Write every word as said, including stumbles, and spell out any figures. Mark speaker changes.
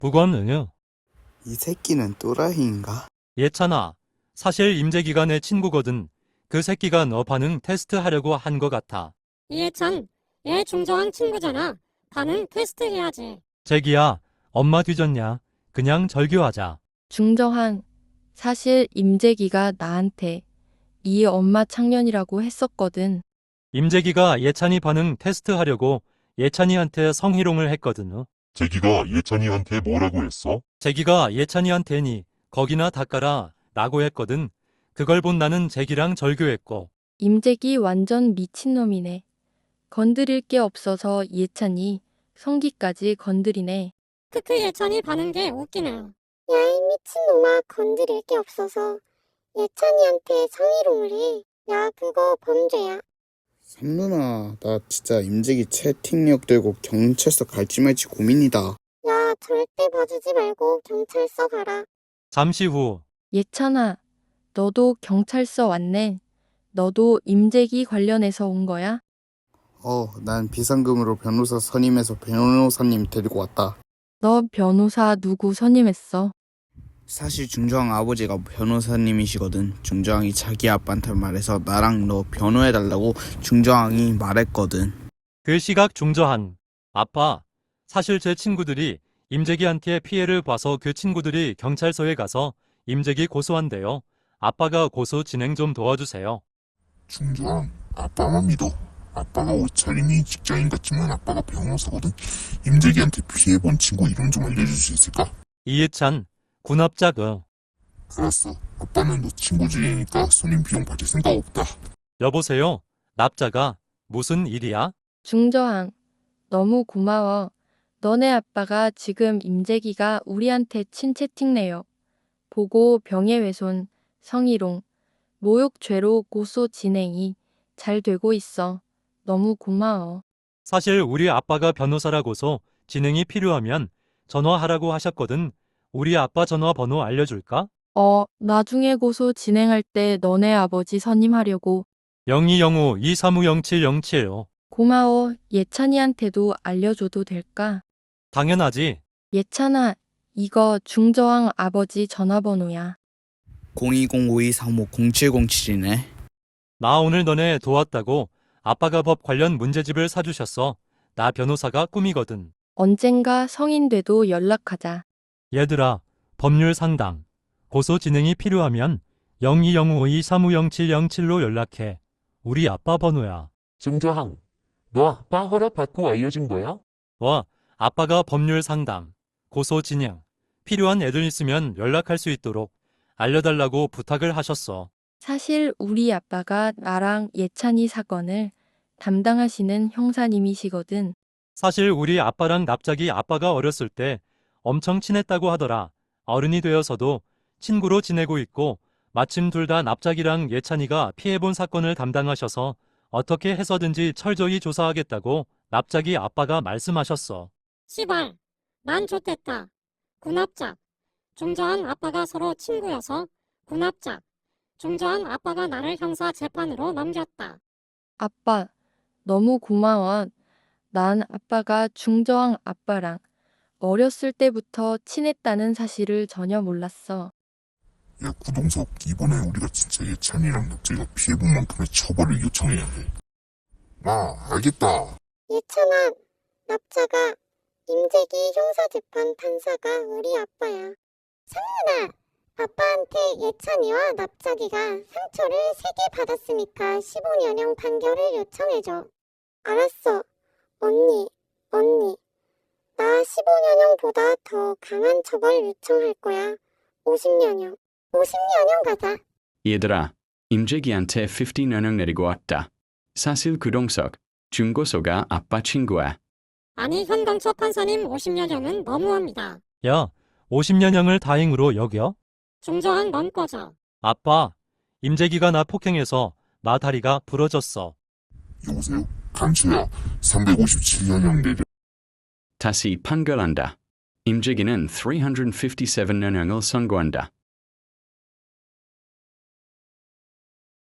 Speaker 1: 북원 응유.
Speaker 2: 이 새끼는 또라이인가?
Speaker 1: 예찬아, 사실 임재기가 내 친구거든. 그 새끼가 너 반응 테스트 하려고 한 거 같아.
Speaker 3: 이해찬, 얘 중저항 친구잖아. 반응 테스트 해야지.
Speaker 1: 재기야, 엄마 뒤졌냐? 그냥 절교하자.
Speaker 4: 중저항, 사실 임재기가 나한테 이 엄마 창년이라고 했었거든.
Speaker 1: 임재기가 예찬이 반응 테스트 하려고 예찬이한테 성희롱을 했거든.
Speaker 5: 재기가 예찬이한테 뭐라고 했어?
Speaker 1: 재기가 예찬이한테니 거기나 닦아라 라고 했거든. 그걸 본 나는 재기랑 절교했고.
Speaker 4: 임재기 완전 미친놈이네. 건드릴 게 없어서 예찬이 성기까지 건드리네.
Speaker 3: 크크 예찬이 반응 게 웃기네요.
Speaker 6: 야이 미친놈아, 건드릴 게 없어서 예찬이한테 성희롱을 해. 야, 그거 범죄야.
Speaker 2: 삼누나, 나 진짜 임재기 채팅력 들고 경찰서 갈지 말지 고민이다.
Speaker 6: 야, 절대 봐주지 말고 경찰서 가라.
Speaker 1: 잠시 후
Speaker 4: 예찬아, 너도 경찰서 왔네. 너도 임재기 관련해서 온 거야?
Speaker 2: 어, 난 비상금으로 변호사 선임해서 변호사님 데리고 왔다.
Speaker 4: 너 변호사 누구 선임했어?
Speaker 2: 사실 중저항 아버지가 변호사님이시거든. 중저항이 자기 아빠한테 말해서 나랑 너 변호해달라고 중저항이 말했거든.
Speaker 1: 그 시각 중저한. 아빠, 사실 제 친구들이 임재기한테 피해를 봐서 그 친구들이 경찰서에 가서 임재기 고소한대요. 아빠가 고소 진행 좀 도와주세요.
Speaker 5: 중저항, 아빠만 믿어. 아빠가 옷차림이 직장인 같지만 아빠가 변호사거든. 임재기한테 피해본 친구 이름 좀 알려줄 수 있을까?
Speaker 1: 이해찬, 군합작 응.
Speaker 5: 알았어. 아빠는 너 친구 중이니까 손님 비용 받을 생각 없다.
Speaker 1: 여보세요? 납자가 무슨 일이야?
Speaker 4: 중저항, 너무 고마워. 너네 아빠가 지금 임재기가 우리한테 친 채팅 내요. 보고 병해훼손, 성희롱, 모욕죄로 고소 진행이 잘 되고 있어. 너무 고마워.
Speaker 1: 사실 우리 아빠가 변호사라고서 진행이 필요하면 전화하라고 하셨거든. 우리 아빠 전화번호 알려줄까?
Speaker 4: 어, 나중에 고소 진행할 때 너네 아버지 선임하려고.
Speaker 1: 영이영오 이삼오영칠영칠오.
Speaker 4: 고마워. 예찬이한테도 알려줘도 될까?
Speaker 1: 당연하지.
Speaker 4: 예찬아, 이거 중저항 아버지 전화번호야.
Speaker 2: 공이공 오이삼오 공칠공칠이네.
Speaker 1: 나 오늘 너네 도왔다고 아빠가 법 관련 문제집을 사주셨어. 나 변호사가 꿈이거든.
Speaker 4: 언젠가 성인 돼도 연락하자.
Speaker 1: 얘들아, 법률 상담. 고소 진행이 필요하면 영이영오 이삼오영칠영칠로 연락해. 우리 아빠 번호야.
Speaker 7: 중저항, 너 아빠 허락 받고 알려준 거야?
Speaker 1: 와, 아빠가 법률 상담, 고소 진행, 필요한 애들 있으면 연락할 수 있도록 알려달라고 부탁을 하셨어.
Speaker 4: 사실 우리 아빠가 나랑 예찬이 사건을 담당하시는 형사님이시거든.
Speaker 1: 사실 우리 아빠랑 납작이 아빠가 어렸을 때 엄청 친했다고 하더라. 어른이 되어서도 친구로 지내고 있고 마침 둘 다 납작이랑 예찬이가 피해본 사건을 담당하셔서 어떻게 해서든지 철저히 조사하겠다고 납작이 아빠가 말씀하셨어.
Speaker 3: 시발, 난 좋댔다. 군합작. 중저항 아빠가 서로 친구여서 군합작. 중저항 아빠가 나를 형사 재판으로 넘겼다.
Speaker 4: 아빠, 너무 고마워. 난 아빠가 중저항 아빠랑 어렸을 때부터 친했다는 사실을 전혀 몰랐어.
Speaker 5: 야, 구동석, 이번에 우리가 진짜 예찬이랑 납재가 피해본 만큼의 처벌을 요청해야 해. 아, 알겠다.
Speaker 6: 예찬아, 납자가 임재기 형사재판 판사가 우리 아빠야. 상윤아, 아빠한테 예찬이와 납자기가 상처를 세 개 받았으니까 십오 년형 판결을 요청해줘. 알았어. 언니, 언니. 나 십오 년형보다 더 강한 처벌 요청할 거야. 오십 년형. 오십 년형 가자.
Speaker 8: 얘들아, 임재기한테 오십 년형 내리고 왔다. 사실 구동석, 중고소가 아빠 친구야.
Speaker 3: 아니 현강처 판사님 오십 년형은 너무합니다.
Speaker 1: 야, 오십 년형을 다행으로 여겨?
Speaker 3: 중저항 넌 꺼져.
Speaker 1: 아빠, 임재기가 나 폭행해서 나 다리가 부러졌어.
Speaker 5: 여보세요? 강채야, 삼백오십칠 년형 내려.
Speaker 8: 다시 판결한다. 임재기는 삼백오십칠 년형을 선고한다.